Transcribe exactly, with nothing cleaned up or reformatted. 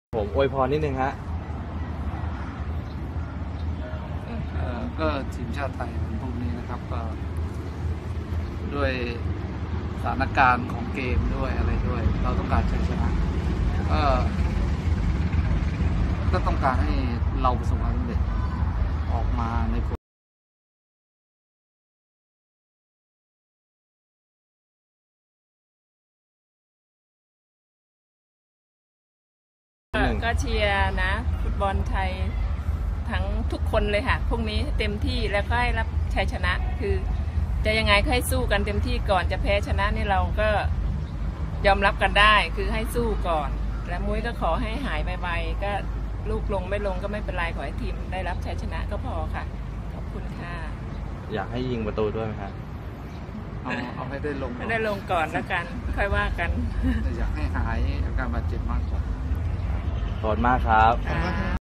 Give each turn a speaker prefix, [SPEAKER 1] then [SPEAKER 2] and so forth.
[SPEAKER 1] ผมอวยพรนิดนึงฮะ
[SPEAKER 2] ก็ทีมชาติไทยวันพรุ่งนี้นะครับก็ด้วยสถานการณ์ของเกมด้วยอะไรด้วยเราต้องการชัยชนะก็ก็ต้องการให้เราประสบความสำเร็จออกมาในผล
[SPEAKER 3] ก็เชียร์นะฟุตบอลไทยทั้งทุกคนเลยค่ะพรุ่งนี้เต็มที่แล้วก็ให้รับชัยชนะคือจะยังไงก็ให้สู้กันเต็มที่ก่อนจะแพ้ชนะนี่เราก็ยอมรับกันได้คือให้สู้ก่อนและมุ้ยก็ขอให้หายไวๆก็ลูกลงไม่ลงก็ไม่เป็นไรขอให้ทีมได้รับชัยชนะก็พอค่ะขอบคุณค่ะ
[SPEAKER 1] อยากให้ยิงประตูด้วยไหมครับ
[SPEAKER 2] เอาเอาให้ได้ลง
[SPEAKER 3] ไม่ได้ลงก่อนแล้วกันค่อยว่ากัน
[SPEAKER 2] อยากให้หายอาการบาดเจ็บมากกว่า
[SPEAKER 1] ขอบคุณมากครับ